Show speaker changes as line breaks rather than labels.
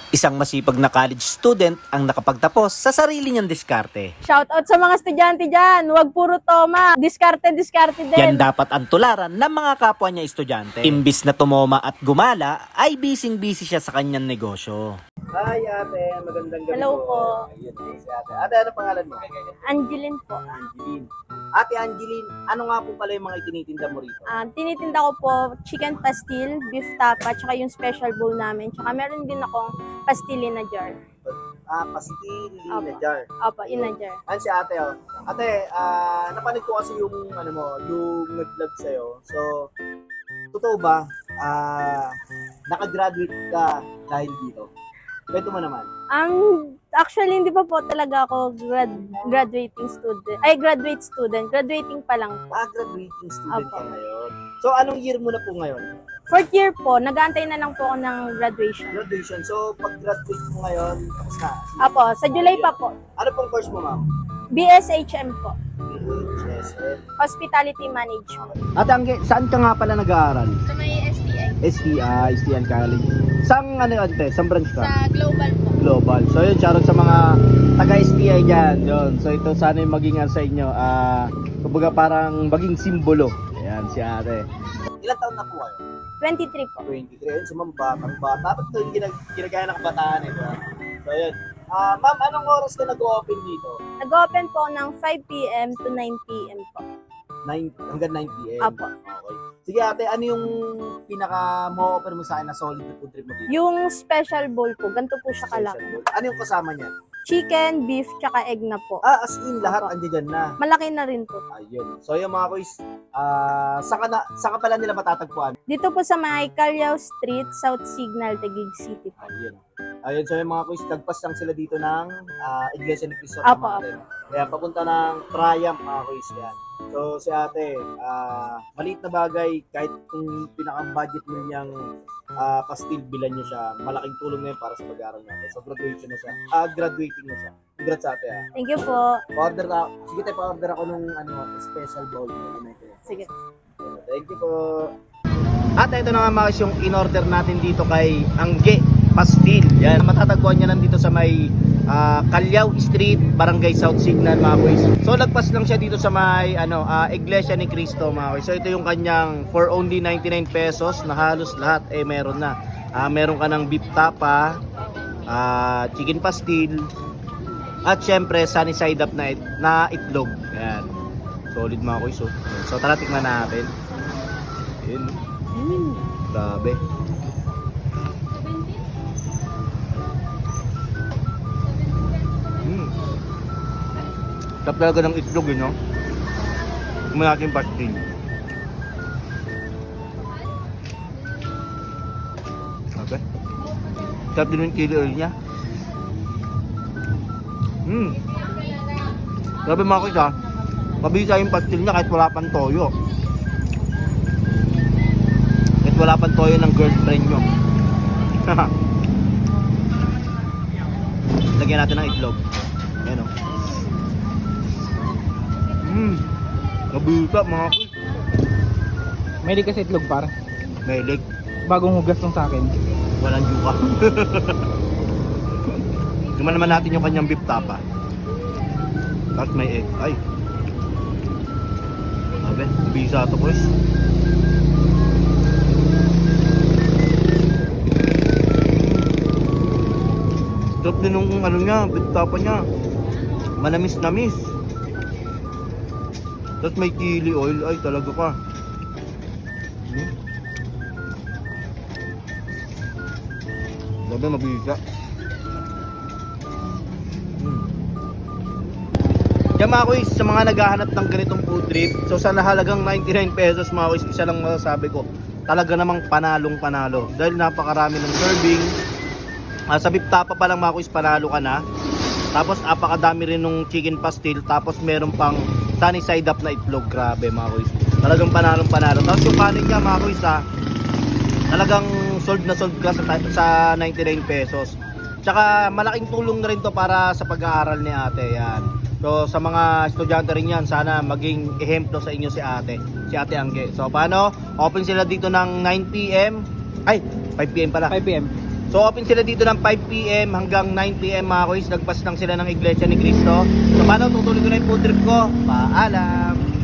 Isang masipag na college student ang nakapagtapos sa sarili niyang diskarte.
Shoutout sa mga estudyante dyan. Huwag puro toma. Diskarte din.
Yan dapat ang tularan ng mga kapwa niya estudyante. Imbis na tumoma at gumala, ay busy siya sa kanyang negosyo.
Hi ate, magandang gabi
Hello po.
Ayun, si ate. Ate, ano pangalan mo?
Angeline po.
Angeline. Ate Angeline, ano nga po pala yung mga itinitinda mo rito?
Tinitinda ko po chicken pastil, beef tapa, tsaka yung special bowl namin. Tsaka meron din akong pastili na jar.
Pastil na
Opo.
jar.
Opo, in a jar.
Ano si ate, oh. Ate, napanood ko kasi yung, yung nag-vlog sa'yo. So, totoo ba, nakagraduate ka dahil dito? Kwento mo naman.
Actually, hindi pa po talaga ako graduating student. Ay, graduate student. Graduating pa lang po.
Graduating student
Opo.
ka ngayon. So, anong year mo na po ngayon?
Fourth year po, nag-aantay na lang po ako ng graduation.
Graduation. So, pag-graduate mo ngayon, tapos na.
Apo, sa July pa po.
Ano pong course mo, ma'am?
BSHM po.
BHSM.
Hospitality Management.
Ate Angge, saan ka nga pala nag-aaral?
Sa may STI.
STI College. Saan ante? Saan branch ka?
Sa Global po.
Global. So yun, shoutout sa mga taga-STI dyan. Yun. So ito sana yung maging sa inyo. Kumbaga parang maging simbolo. Ayan, si ate. Ilang taon na po kayo?
23 po.
23. Ayun, si ma'am, batang bata. Ba't ito yung ginagaya ng kabataan eh? Diba? So yun. Ma'am, anong oras ka nag-open dito?
Nag-open po ng 5 p.m. to 9 p.m. po.
hanggang 9 p.m.
Apo.
Okay. Sige ate, ano yung pinaka mo-offer mo sa akin na solid na food trip mo dito?
Yung special bowl po, ganito po siya kalaki.
Ano yung kasama niyan?
Chicken, beef, tsaka egg na po.
As in, lahat
Apo.
andyan na.
Malaki na rin po.
Ayun. So yung mga kuys, saka pala nila matatagpuan.
Dito po sa may Callao Street, South Signal, Taguig City po.
Ayun, so yung mga kuys, tagpas lang sila dito ng Iglesia ni Cristo.
Apo,
Kaya papunta ng Triumph mga kuys yan. So si ate, maliit na bagay, kahit kung pinaka-budget mo niyang pastil, bilan niyo siya, malaking tulong na yun para sa pag-aaral natin. So graduation na siya. Graduating na siya. Congrats ate
Thank you po.
Pa-order na, sige tayo pa-order ako nung special bowl.
Sige.
Thank you po. At ito na nga mga guys, yung in-order natin dito kay Angge Pastil. Yan, matatagpuan niya lang dito sa may Callao Street, Barangay South Signal mga guys. So nagpas lang siya dito sa may Iglesia ni Cristo mga guys. So ito yung kanyang for only 99 pesos na halos lahat meron na. Meron ka ng beef tapa, chicken pastil, at syempre sunny side up na itlog. Yan. Solid mga guys. So tara tikman natin. Yun. Grabe. Sarap talaga ng itlog yun, no? Kumain natin pastil. Okay. Sarap din yung chili oil niya. Grabe mga kuys ha. Mabisa yung pastil niya kahit wala pang toyo. Kahit wala pang toyo ng girlfriend nyo. Lagyan natin ng itlog. Ayan o. Nabisa mga kuys.
May kasi itlog par.
Mailig.
Bagong hugas ng sa akin.
Walang yuka. Tuman naman natin yung kanyang beef tapa. Tapos may egg. Ay. Sabi, bisa ito boys. Sarap din yung niya, beef tapa niya. Manamis-namis. Tapos may chili oil. Ay, talaga ka. Sabi, mabisa. Yan mga kuys, sa mga naghahanap ng ganitong food trip, so sa nahalagang 99 pesos mga kuys, isa lang masasabi ko, talaga namang panalong panalo. Dahil napakarami ng serving. Sa beef tapa pa lang mga kuys, panalo ka na. Tapos apakadami rin ng chicken pastil, tapos meron pang sunny side up na itlog. Grabe mga kuys, talagang panalong panalo. Tapos yung kanin niya mga kuys talagang sold na sold ka sa 99 pesos. Tsaka malaking tulong na rin to para sa pag-aaral ni ate. Yan. So sa mga estudyante rin yan, sana maging ehemplo sa inyo si Ate Angge. So paano? Open sila dito ng 9 p.m. Ay, 5 p.m. pala.
5 p.m.
So open sila dito ng 5 PM hanggang 9 PM mga kuys. Nagpas lang sila ng Iglesia ni Cristo. So paano, tutuloy ko na yung food trip ko. Paalam!